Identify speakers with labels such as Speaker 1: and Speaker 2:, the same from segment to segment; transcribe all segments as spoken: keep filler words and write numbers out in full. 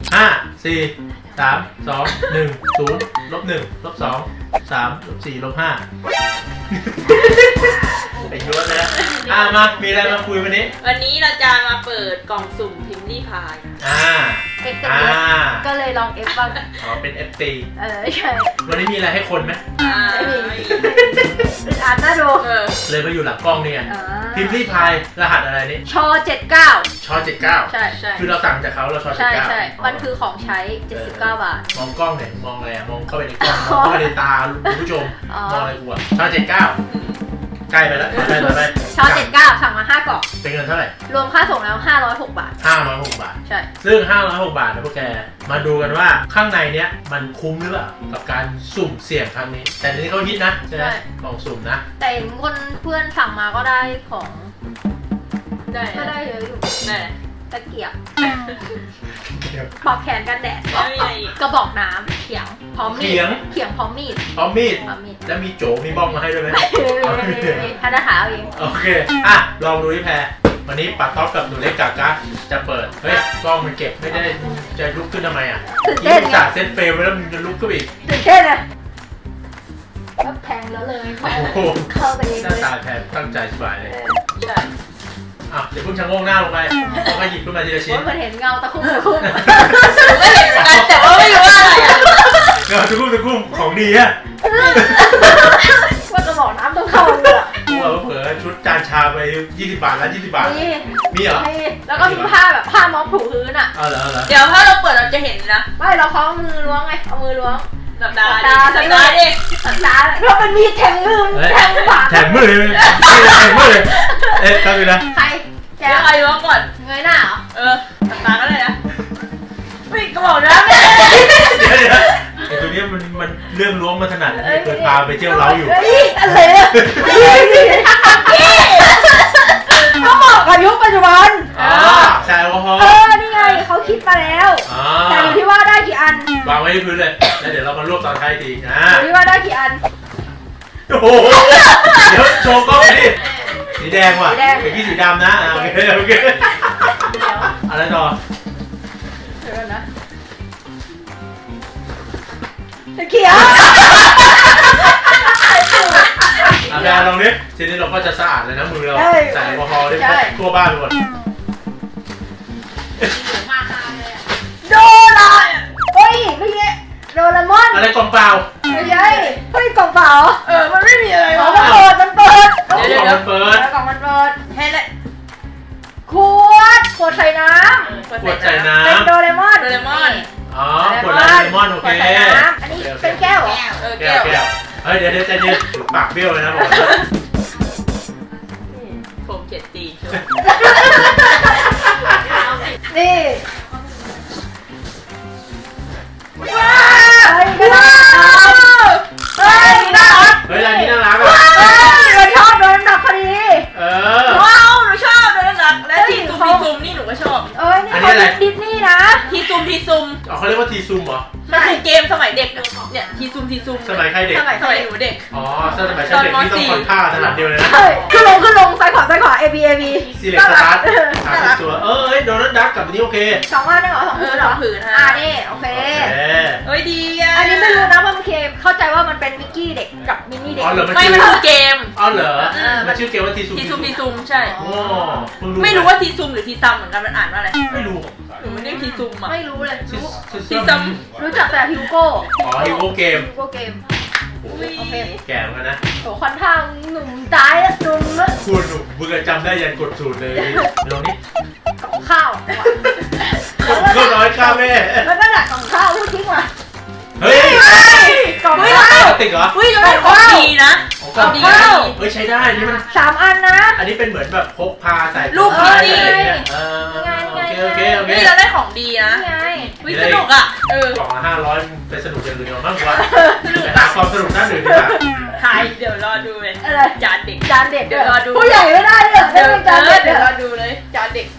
Speaker 1: ห้าสี่สามสองหนึ่งศูนย์ลบหนึ่งลบสองสามลบสี่ลบห้าไปยั่วแล้วอ่ะมามีอะไรมาคุยวันนี้
Speaker 2: วันนี้เราจะมาเปิดกล่องสุ่มพิมพ์ลี่พาย
Speaker 1: อ่า
Speaker 3: เอฟเป็นเอฟก็เลยลองเอฟบ้าง
Speaker 1: อ๋อเป็น เอฟ ตี
Speaker 3: เออใช่
Speaker 1: วันนี้มีอะไรให้คนไหม
Speaker 2: อ่า
Speaker 3: เป็นอ่านน่าดู
Speaker 1: เลยมาอยู่หลังกล้องนี่ไงพิมพ์ลี่พายรหัสอะไรนี่
Speaker 3: ชอเจ็ดเก้า
Speaker 1: ชอเจ็ดเก้า
Speaker 3: ใช่ใช่
Speaker 1: คือเราสั่งจากเขาเราชอเจ็ดเก้า
Speaker 3: ใช่ใช่มันคือของใช้เจ็ดสิบเก้าบาท
Speaker 1: มองกล้องเนี่ยมองอะไรมองเข้าไปในกล้องมองเข้าไปในตาคุณผู้ชมมองอะไรกูอะชอเจ็ดเก้าใกล้ไปแล้วไปไปไป
Speaker 3: ชอเจ็ดเก้าสั่งมาห้ากล่อง
Speaker 1: เป็นเงินเท่าไหร่
Speaker 3: รวมค่าส่งแล้วห้าร้อยหกบาท
Speaker 1: ห้าร้อยหกบาท
Speaker 3: ใช่
Speaker 1: ซึ่งห้าร้อยหกบาทนะพวกแกมาดูกันว่าข้างในเนี้ยมันคุ้มหรือเปล่ากับการสุ่มเสี่ยงครั้งนี้แต่ในนี้เขาฮิตนะใช่ไหมกล่องสุ่มนะ
Speaker 3: แต่คนเพื่อนสั่งมาก็ได้ของ
Speaker 2: ได้
Speaker 3: ก็ได้เยอะอยู่
Speaker 2: ได้
Speaker 3: ตะเกียบปลอกแขนกันแดดกระบอกน้ำเขียงพร้อมมีดเขียงพร้อมมีด
Speaker 1: พร้อมมีด
Speaker 3: พร้อมมีด
Speaker 1: แล้วมีโจมีบ้องมาให้ด้วยไหม
Speaker 3: ท่านทหารเอง
Speaker 1: โอเคอ่ะลองดูที่แพรวันนี้ปัดท็อปกับหนูเล็กกากะจะเปิดเฮ้ยกล้องมันเก็บไม่ได้จะลุกขึ้นทำไมอ่ะยิ่งจ่าเซตเฟลไปแล้วมึงจะลุกขึ้นอีก
Speaker 3: ตื่นเต้นเลยก็แพงแล้วเลยเข้าไปเอง
Speaker 1: หน้าตาแพรตั้งใจสบายเลยอ่ะเดี๋ยวพุ่งชะโงกหน้าลงไปแล้วก็หยิบขึ้นมาทีละชิ้น
Speaker 3: ว่ามันเห็นเงาตะคุ่มตะคุ่ม
Speaker 2: ก็เห็นเหมือนกันแต่ว่าไม่รู้ว่าอะไรอ่ะ
Speaker 1: เงาตะคุ่มตะคุ่มของดีอะ
Speaker 3: ว่ากระบอกน้ำต้องเข้าเลยอ่ะ
Speaker 1: เราเผลอชุดจานชาไปยี่สิบบาทแล้วยี่สิบบาทมีมีเหรอ
Speaker 3: มีแล้วก็มีผ้าแบบผ้าม้องถูพื้นอ่ะ
Speaker 1: เอาเหรอเอาเหรอ
Speaker 2: เดี๋ยวถ้าเราเปิดเราจะเห็นนะ
Speaker 3: ไม่เราเขาเอามือล้วงไงเอามือล้วง
Speaker 2: สัปดาห์ดิสัปดาห์ดิ
Speaker 3: สัปดาห์เพราะมันมีแทงมือแทงบาด
Speaker 1: แทงมือเลยแทงมือเลยเอ๊ะครับพี่นะ
Speaker 3: ใคร
Speaker 2: แกใครล้วงก่อน
Speaker 3: เงยหน้าเหรอ
Speaker 2: เออสัปดาห์ก็เลยนะไม่กระบอกน้ำเลย
Speaker 1: เดี๋ยวเดี๋ยวไอ้ตัวนี้มันมันเรื่องล้วงมาถนัดเคยพาไปเที่ยวเล้าอยู่
Speaker 3: อะไรอ่ะเขาเหมาะกับยุคปัจจุบัน
Speaker 1: อ๋อใช่ว่า
Speaker 3: เออนี่ไงเขาคิดมาแล้วแต่อยู่ที่ว่าได้กี่อัน
Speaker 1: วางไว้ที่พื้นเลยแล้วเดี๋ยวเรามารวบตอนท้ายทีนะ
Speaker 3: อยู่ที่ว่าได้กี่อัน
Speaker 1: โอ้โหเดี๋ยวโชว์กล้องดิสีแดงว่ะเมื่อกี้สีดำนะโอเคโอเคอะไรต่อ
Speaker 3: เดี๋ยวนะเขียว
Speaker 1: อาแพรลองดิทีนี้เราก็จะสะอาดเลยนะมือเราใส่แอลกอฮอล์ได้ทั่วบ้านไปหมด
Speaker 3: โดราเฮ้ยไม่ใช่โดราเอมอน
Speaker 1: อะไรกล่องเปล่า
Speaker 3: ไม่ใช่เฮ้ยกล่องเปล่า
Speaker 2: เออมันไม่มีอะไร
Speaker 3: มันเปิดมันเปิด
Speaker 1: เดี๋ยวมันเปิด
Speaker 3: กล่องมันเปิด
Speaker 2: เฮ้ยเลย
Speaker 3: ขวดขวดใส่น้ำ
Speaker 1: ขวดใส่น้ำ
Speaker 3: เป็นโดเรมอน
Speaker 2: โดเรมอน
Speaker 1: อ๋อขวดโดเรมอนโอเค
Speaker 3: อันนี้เป็นแก้วเหรอ
Speaker 2: เออ
Speaker 1: แก้วแก้วเฮ้ยเดี๋ยวเดี๋ยวใจเย็นปากเบี้ยวเลยนะผม
Speaker 2: ผมเจ็ดตี
Speaker 3: นี่ว้าวเฮ้ยน่ารัก
Speaker 1: เฮ้ยร้านนี้น่ารักอ่ะ
Speaker 3: เราชอบโดนดับพอดี
Speaker 1: เออ
Speaker 2: ว้าวหนูชอบโดนดับและทีซุมทีซุมนี่หนูก็ชอบ
Speaker 3: เอ้ยนี่เขาเป็นดิสนีย์นะ
Speaker 2: ทีซุมทีซุม
Speaker 1: อ๋อเขาเรียกว่าทีซุมเหรอ
Speaker 2: มันคือเกมสมัยเด็กเนี่ยทีซุมทีซุม
Speaker 1: สมัยใครเด็ก
Speaker 2: สมัยสมัยหนูเด็ก
Speaker 1: อ๋อสมัยฉันเด็กที่ต้องคอนท่าถนัดเดียวเลยนะ
Speaker 3: ขึ้นลงขึ้นลงซ้ายขวาซ้ายขวา A B A B
Speaker 1: ซีเล็กสตาร์ทหาตัวเอ้ยโดนัลด์ดักกับอันนี้โอเค
Speaker 3: สองอันได้เหรอสองผืนเหรอ
Speaker 2: ผืน
Speaker 3: อ่านี่โอเค
Speaker 2: เฮ้ยดีอ่ะ
Speaker 3: อันนี้ไม่รู้นะว่ามันเคเข้าใจว่ามันเป็นมิกกี้เด็กกับมินนี่เด็ก
Speaker 2: ไม่มันคือเกม
Speaker 1: อ๋อเหรอมันชื่อเกมว่าทีซุม
Speaker 2: ทีซุมทีซุมใช่
Speaker 1: โอ้
Speaker 2: ไม่รู้ว่าทีซุมหรือทีซัมเหมือนกันมันอ่านว่าอะไร
Speaker 1: ไม่รู้
Speaker 2: หนูไม่ได้ทีซุมอ่ะ
Speaker 3: ไม่รู้เลย
Speaker 2: ทีซัม
Speaker 3: รู้จักแต่ฮิวโก้
Speaker 1: อ๋อฮิวโก้เกม
Speaker 3: ฮิวโก้เกม
Speaker 1: โอเคแก่เหมือนกันนะ
Speaker 3: โอ้คอนทางหนุ่มตายแล้วหนุ่มแล้ว
Speaker 1: คุณหนุ่มมึงจำได้ยันกดสูตรเลยลองนี่
Speaker 3: กับข้าว
Speaker 1: ก็น้อยข้าวแม่
Speaker 3: แล้วก็ดักของข้าวพูดทิ้งว่ะ
Speaker 1: เฮ้ย
Speaker 3: กล่องข้าว
Speaker 1: ติดเหรอ
Speaker 2: เฮ้ยเราได้ของดีนะ
Speaker 1: ของดีเฮ้ยใช้ได้นี่มัน
Speaker 3: สามอันนะ
Speaker 1: อันนี้เป็นเหมือนแบบพกพาใส่
Speaker 2: ลูก
Speaker 1: นี่
Speaker 3: เออ
Speaker 1: โอเคโอเคโอเค
Speaker 2: นี่เราได้ของดีนะวิสนุกอ่ะเออก
Speaker 1: ล่องละห้าร้อยไปสนุกอย่างอื่นเดียวมากกว่าแต่หาความสนุกด้านอื่นดีกว่า
Speaker 2: ทายเดี๋ยวรอดูเลยจานเด็ก
Speaker 3: จานเด็ก
Speaker 2: เดี๋ยวรอดู
Speaker 3: ผู้ใหญ่ไม่ได้เลย
Speaker 2: เดี๋ยวจานเด็กเดี๋ยวรอดูเลยจานเด็ก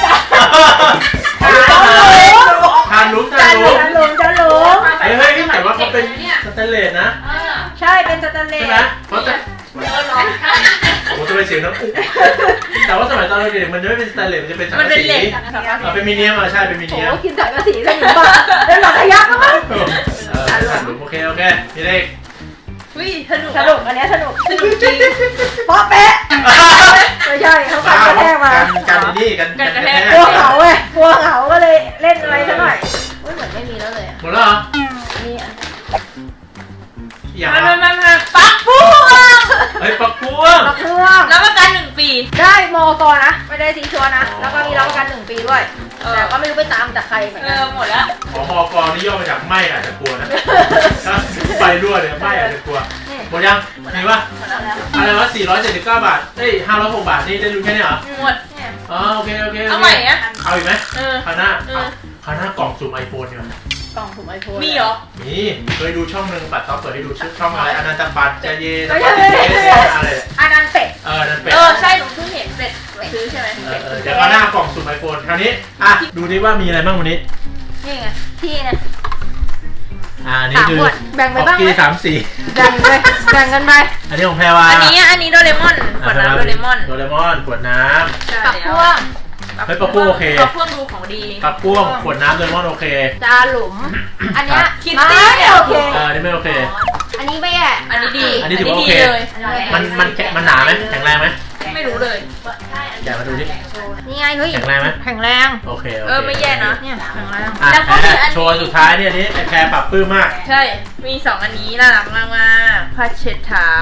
Speaker 1: ทานลุ้มทานลุ้ม
Speaker 3: จานลุ้มจานลุ้ม
Speaker 1: เฮ้ยเฮ้ยแต่ว่าเขาเป็นสแตนเลสนะ
Speaker 3: ใช่เป็นสแตนเลส
Speaker 1: ใช่ไหมเพราะแต่โอ้จะไปเสียงน้ำอุ๊แต่ว่าสมัยตอนเราเด็กมันจะไม่เป็นสแตนเลสมันจะเป็นสัง
Speaker 2: มัน
Speaker 1: กะ
Speaker 2: เป็น
Speaker 1: สี
Speaker 2: เหล็ก
Speaker 1: เอาเป็นมิเนียมอ่ะใช่เป็นมิ
Speaker 3: โอ้
Speaker 1: เนียม
Speaker 3: กินสังกะสีสนิมบ้าเล่นหลอกขยักแล้วมั้ง
Speaker 1: เออโอเคโอเคพี่เล็ก
Speaker 2: วิสนุก
Speaker 3: สนุกอันนี้สนุก
Speaker 2: สนุกจริง
Speaker 3: ป๊อปเป๊ะไม่ใช่เขากันกระแทกมา
Speaker 1: กันกันนี่กันกันกระแทก
Speaker 3: กลัวเหงาเว้ยกลัวเหงาก็เลยเล่นอะไรซะหน่อยอุ้ยเหมือนไม่มีแล้วเลย
Speaker 1: หมดแล้วเหรอ
Speaker 3: มีอัน
Speaker 1: อย่าง
Speaker 2: มามามามาปักปุ๊บ
Speaker 1: เฮ้ยปักพวง
Speaker 3: รับเครื่อง
Speaker 2: รับประกันหนึ่งปี
Speaker 3: ได้มอกอนะไม่ได้ซีชัวนะแล้วก็มีรับประกันหนึ่งปีด้วยแต่ก็ไม่รู้ไปตามจากใครเหมือน
Speaker 2: เอ
Speaker 3: กัน
Speaker 2: อหมดแล้ว
Speaker 1: ของมอกนี่ย่อมาจากไหม้อาจจะกลัวนะถ้าไฟรั่วเนี่ยไหม้อาจจะกลัวหมดยังมีปะ
Speaker 3: หมดแล้วแล้ว
Speaker 1: อะไรวะสี่ร้อยเจ็ดสิบเก้าบาทเอ้ยห้าร้อยหกบาทนี่ได้รู้แค่นี้เหรอ
Speaker 2: หมด
Speaker 1: อ๋อโอเคโอเค
Speaker 2: เอาใหม่อะ
Speaker 1: เอาอีกไหม
Speaker 2: เออ
Speaker 1: คราวหน้า
Speaker 2: เออ
Speaker 1: คราวหน้ากล่องสุ่มไอโฟนเนี่ย
Speaker 3: กล่องถุงไอโฟน
Speaker 2: มีเหรอ
Speaker 1: นี่เคยดูช่องหนึ่งปัดต๊อกเปิดให้ดูช่องอะไรอนันตปัตใจเย็น
Speaker 3: ไม่ใช่ไม่ใช่ไม่ใช่
Speaker 1: อะไร
Speaker 3: อันนั้นเป็ด
Speaker 1: เออนั่นเป็น
Speaker 2: เออใช่หนูเพิ่งเห็นเสร็จซื้อใช่ไหม
Speaker 1: เออเออเดี๋ยวคราวหน้ากล่องสุ่มไอโฟนคราวนี้อ่ะดูดิว่ามีอะไรบ้างวันนี้
Speaker 3: นี่ไงที่เนี่ย
Speaker 1: อ่าอันนี่คือ
Speaker 3: สามขวดแบ่งไปบ้างไหม
Speaker 1: กี้สามสี่
Speaker 3: แบ่งไปแบ่งกันไป
Speaker 1: อันนี้ของแพรวา
Speaker 2: อันนี้อันนี้โดเรมอนขวดน้ำโดเรมอน
Speaker 1: โดเรมอนขวดน้
Speaker 3: กับพวง
Speaker 1: เฮ้ยปะปุ๊โอเค
Speaker 2: ปะพวงดูของดี
Speaker 1: ำปักป้วงขวดน้ำโดเรมอนโอเค
Speaker 3: จาหลุม อันเนี้ย
Speaker 2: คิตตี้
Speaker 3: ไม่โอเค
Speaker 1: เอออันนี่ไม่โอเค
Speaker 3: อันนี้ไม่แย่
Speaker 2: อันนี้ดี
Speaker 1: อันนี้ถือว่าโอเค
Speaker 2: เลย
Speaker 1: มันมันแข็งมันหนาไหมแข็งแรงไหม
Speaker 2: ไม่รู้เลย
Speaker 1: แกะมาดูดิ
Speaker 3: นี่ไงเฮ้ย
Speaker 1: แข็งแรงไหม
Speaker 3: แข็งแรง
Speaker 1: โอเคโอเค
Speaker 2: เออไม่แย่นะ
Speaker 3: เนี่ยแข็งแรง
Speaker 1: อ่ะ
Speaker 2: แล้วก็มีอันนี้
Speaker 1: โชว์สุดท้ายเนี่ยอันนี้แพรปรับปลื้มมาก
Speaker 2: ใช่ มีสองอันนี้น่ารักมากมากผ้าเช็ดเท้า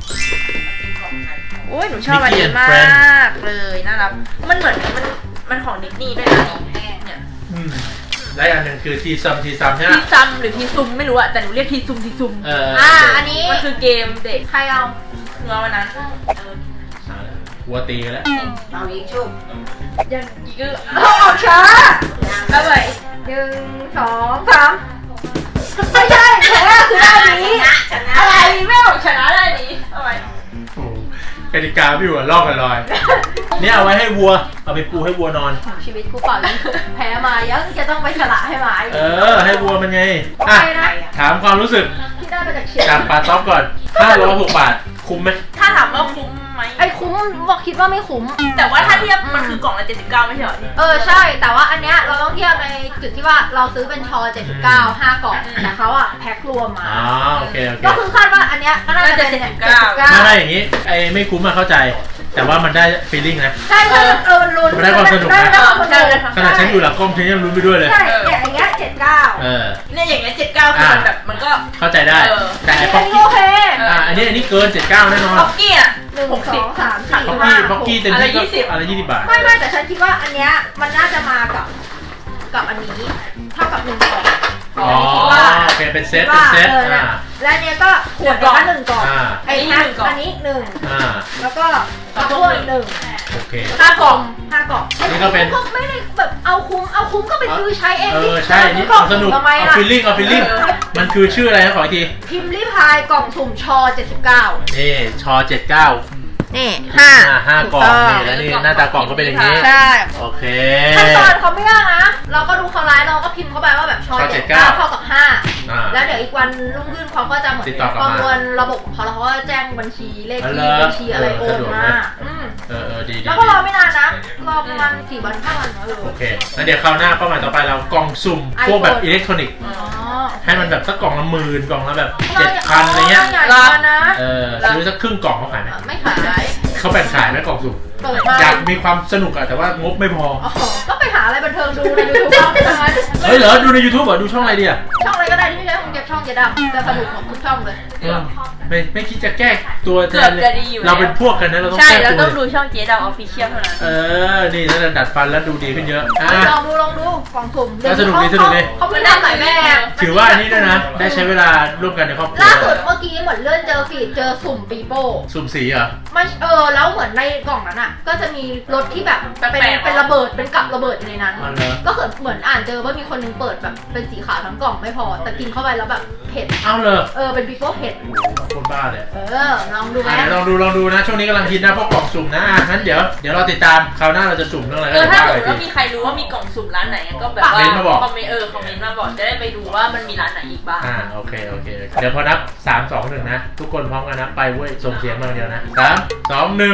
Speaker 2: โอ้ยหนูชอบอันนี้มากเลยน่ารักมันเหมือนมันมันของดิสนีย์ด้วยนะเนี่ย
Speaker 1: อืมและอันหนึ่งคือทีซัมทีซัมใช่ไหม
Speaker 2: ทีซัมหรือทีซุมไม่รู้อะแต่หนูเรียกทีซุมทีซุม
Speaker 1: เออ
Speaker 3: อ่า
Speaker 1: โเค
Speaker 3: อันนี้
Speaker 2: มันคือเกมเด็ก
Speaker 3: ใครเอา
Speaker 2: หนูเอาวันนั้น
Speaker 1: วัวตีกันแล้ว
Speaker 3: เอาอีกชุบ
Speaker 2: ยังอีกก็
Speaker 3: เอาออกช้า
Speaker 2: เอาไว้
Speaker 3: หนึ่งสองสามไม่ใช่แพ้คือด้านนี้
Speaker 2: อะไรไม่ออกชนะได้นี้เอาไว้
Speaker 1: โอ้โหกติกาพี่หัวลอกกันลอย เนี่ยเอาไว้ให้วัว เอาไปปูให้วัวนอน
Speaker 3: ชีวิตกูเปล่ายิงแพ้มายังจะต้องไปฉละให้หมาอีก
Speaker 1: เออ ให้วัวมันไง
Speaker 3: โอ
Speaker 1: อ่ะ
Speaker 3: เคนะ
Speaker 1: ถามความรู้สึก
Speaker 3: ที่ได้มาจากเชียร์
Speaker 1: จากปลาต๊อกก่อนห้าร้อยหกบาท คุ้มไหม
Speaker 2: ถ้าถามว่าคุ้มไหม
Speaker 3: ไอ้คุ้มบอกคิดว่าไม่คุ้ม
Speaker 2: แต่ว่าถ้าเทียบมันคือกล่องละเจ็ดสิบเก้าไม่ใช่เหรอ
Speaker 3: เออใช่ แต่ว่าอันเนี้ยเราต้องเทียบในจุดที่ว่าเราซื้อเป็นชอเจ็ดสิบเก้า ห้ากล่องแต่เขาอะแพ็ครวมมา
Speaker 1: อ๋อโอเคโอเค
Speaker 3: ก็คือคาดว่าอันเนี้ยก็น่าจะเป็นเจ็ดสิบเก้า
Speaker 1: ไม่ไม่อย่างนี้ ไอ้ไม่คุ้มมาเข้าใจ แต่ว่ามันได้ฟีลลิ่งนะ
Speaker 3: ใช่ใช่เออมันลุ้น
Speaker 1: มันได้ความสนุกนะ
Speaker 3: ได้ความสนุก
Speaker 1: ขนาดฉันอยู่หลังกล้องฉันยังลุ้นไปด้วยเลย
Speaker 3: ใช่เนี่ยอย่างเงี้ยเจ็ดเก้า
Speaker 1: เออ
Speaker 2: เนี่ยอย่างเงี้ยเจ็ดเก้าคือมันแบบมันก็
Speaker 1: เข้าใจได้
Speaker 2: เออ
Speaker 1: แต่ไอ้
Speaker 3: อั
Speaker 1: ป๊อน ก
Speaker 3: นี้
Speaker 1: กี้
Speaker 3: โอเค
Speaker 1: อ่าอันนี้อันนี้เกินเจ็ดสิบเก้าแน่นอน
Speaker 2: ป๊อกกี้อ่ะ
Speaker 3: หนึ่ง
Speaker 2: หก
Speaker 3: ส
Speaker 2: สิ
Speaker 3: อบ งสามสี่
Speaker 1: ป๊อก
Speaker 3: ห้า
Speaker 1: กี้ป๊อกกี้เต็มที่ก็
Speaker 2: อะไรยี่สิบ
Speaker 1: อะไรยี่สิบบาท
Speaker 3: ไม่ไม่แต่ฉันคิดว่าอันเนี้ยมันน่าจะมากับกับอันนี้เท่ากับหนึ่งกล่อง
Speaker 1: อ๋อ
Speaker 3: คิดว่า
Speaker 1: โอเคเป็นเซต
Speaker 3: คิด
Speaker 1: เป็น
Speaker 3: ว่า
Speaker 1: เซต
Speaker 3: เออ
Speaker 1: อ่า
Speaker 3: นะและอันเนี้ยก็ขวดละหนึ่งกล่อง
Speaker 1: อ่า
Speaker 3: ไอ้
Speaker 2: อันนี้
Speaker 3: นะ
Speaker 2: หนึ่งกล่อง
Speaker 3: อันนี้หนึ่ง
Speaker 1: อ่า
Speaker 3: แล้วก็กระพวกหนึ่ง
Speaker 1: โอเค
Speaker 2: ห้ากล่อง
Speaker 3: ห้ากล่อง
Speaker 1: นี่ก็เป็น
Speaker 3: ก็ไม่ได้แบบเอาคุ้มเอาคุ้มก็ไปซื้อใช้เอง
Speaker 1: เอ
Speaker 3: ดิ
Speaker 1: อใช่นี่
Speaker 3: กล่อ
Speaker 1: เอา
Speaker 3: ง
Speaker 1: สนุก
Speaker 3: ทำไม
Speaker 1: เอา
Speaker 3: ล่ะ
Speaker 1: ฟีลลิ่งเอาฟีลลิ่ง
Speaker 2: เออ
Speaker 1: มันคือชื่ออะไรนะขออีกที
Speaker 3: พิมพ์ริพายกล่องสุ่มชอเจ็ดสิบเก้า
Speaker 1: นี่ชอเจ็ดเก้า
Speaker 3: นี่ห้า
Speaker 1: อ่าห้ากล่องนี่แล้วนี่หน้าตากล่องก็เป็นอย่างนี้
Speaker 3: ใช่
Speaker 1: โอเค
Speaker 3: ขั้นตอนเขาไม่ยากนะ เราก็ดูเขาไลน์เราก็พิมพ์เข้าไปว่าแบบชอ
Speaker 1: ชอ
Speaker 3: เจ็ดเก้า
Speaker 1: เจ็ดเก้า
Speaker 3: เท่ากับห้า
Speaker 1: อ่า
Speaker 3: แล้วเดี๋ยวอีกวันรุ่งขึ้นเขาก็จะเหมือน
Speaker 1: ติดต่อกลับ
Speaker 3: ป
Speaker 1: มา
Speaker 3: ระมวลระบบของเขาแล้วเขาก็แจ้งบัญชีเลข
Speaker 1: เอา
Speaker 3: ที่
Speaker 1: เลย
Speaker 3: บัญชีอะไรโอ
Speaker 1: สะ
Speaker 3: น
Speaker 1: ดวก
Speaker 3: มา
Speaker 1: ไหม
Speaker 3: อืม
Speaker 1: เออเออดีดี
Speaker 3: แล้วก็รอไม่นานนะ รอประมาณสี่วันห้าวันเออ
Speaker 1: โอเคแล้วเดี๋ยวคราวหน้าเป้าหมายต่อไปเรากล่องสุ่ม
Speaker 3: iPhone
Speaker 1: พวกแบบอิเล็กทรอนิกส์
Speaker 3: อ๋อ
Speaker 1: ให้มันแบบสักกล่องละหมื่นกล่องละแบบเจ็ดพันอะไรเงี้ย
Speaker 3: ใหญ่กว่านะ
Speaker 1: เออซื้อสักครึ่งกล่องเขาขายไหม
Speaker 3: ไม่ขาย
Speaker 1: เขาแบ่งขายไหมกล่องสุ่ม
Speaker 3: เปิดมา
Speaker 1: อยากมีความสนุกอะแต่ว่างบไม่พอ
Speaker 3: อ๋อก็ไปหาอะไรบันเทิงดูในยูทูบบ้างใช่ไหม
Speaker 1: เฮ้ยเหรอดูใน YouTube เหรอดูช่องอะไรดีอะ
Speaker 3: ช่องอะไรก็ได้ที่ไม่ใช่ของเก็บช่องเจดำจะสนุกหมดทุกช่องเลย
Speaker 1: เออไม่ไม่คิดจะแก้ตัวแท
Speaker 2: เกือบ
Speaker 1: นเลย
Speaker 2: จะดีอยู่
Speaker 1: เราเป็นพวกกันนะเราต้อง
Speaker 2: ใช่
Speaker 1: แก้
Speaker 2: เรา
Speaker 1: ตั
Speaker 2: ต้
Speaker 1: ว
Speaker 2: องดูช่องเจ๊ดาวออฟฟิเชียลเท่านั้น
Speaker 1: เออนี่ถ้าจะดัดฟันแล้วดูดีขึ้นเยอะอ่ะ
Speaker 3: ลองดูลองดูกล่องสุ่ม
Speaker 1: ก็สนุกดีสนุกดี
Speaker 3: เขาไม่ได้หลายแบบ
Speaker 1: ถือว่าอันนี้ด้วยนะ ได้ใช้เวลาร่วมกันในครอบครัว
Speaker 3: ล่าสุดเมื่อกี้เหมือนเลื่อนเจอฟีดเจอสุ่มปีโป้
Speaker 1: สุ่มสีเหรอ
Speaker 3: ไม่เออแล้วเหมือนในกล่องนั้นอ่ะ ก็จะมีรถที่แบบเป็นเป็นระเบิดเป็นกับระเบิดอยู่ในนั้น
Speaker 1: อ๋อเหรอ
Speaker 3: ก็เหมือนเหมือนอ่านเจอว่ามีคนนึงเปิดแบบเป็นสีขาวทั้งกล่องไม่พอ แต่กินเข้าไปแล้วแบบเผ็ด
Speaker 1: เอาเลย
Speaker 3: เออเป็นปีโป้เผ็ด
Speaker 1: คนบ้าเลย
Speaker 3: เออลองดูไหม
Speaker 1: อ่ะเดี๋ยวลองดูลองดูนะ ช่วงนี้กำลังฮิตนะพวกกล่องสุ่มนะอ่ะงั้นเดี๋ยวเดี๋ยวเราติดตามคราวหน้าเราจะสุ่มเรื่องอะไร
Speaker 2: เอ
Speaker 1: ก็
Speaker 2: อ
Speaker 1: เดี๋ยว
Speaker 2: ถ้า
Speaker 1: ว่า
Speaker 2: สม
Speaker 1: กัน
Speaker 2: ม
Speaker 1: อีกที
Speaker 2: ติว่ามีใครรู้ว่ามีกล่องสุ่มร้านไหนก็แบบว่า
Speaker 1: เมนต์มาบอก
Speaker 2: คอมเมนต์เออคอมเมนต์มาบอกจะได้ไปดูว่ามันมีร้านไหนอีกบ้าง
Speaker 1: อ่าโอเคโอเคโอเคเดี๋ยวพอนับสาม สอง หนึ่งนะ ทุกคนพร้อมกันนะไปเว้ยส่งเสียงมาเดียวนะสาม สอง หนึ่ง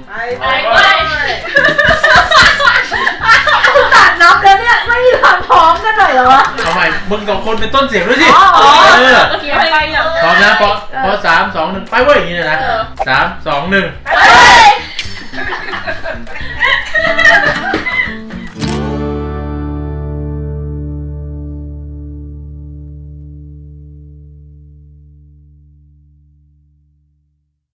Speaker 2: ไปไป
Speaker 3: ตัดนับแล้วเนี่ยไม่มีความพร้อมกันหน่อยเหรอวะ
Speaker 1: เอาใหม่มึงสองคนเป็นต้นเสียงด้วยสิ
Speaker 3: อ๋อ
Speaker 1: เออ
Speaker 2: เมื่อกี้ไปอย่าง
Speaker 1: พร้อมนะพอพอสามสองหนึ่งไปเว้ยอย่างนี้เลยนะสามสองหนึ่ง
Speaker 2: ไป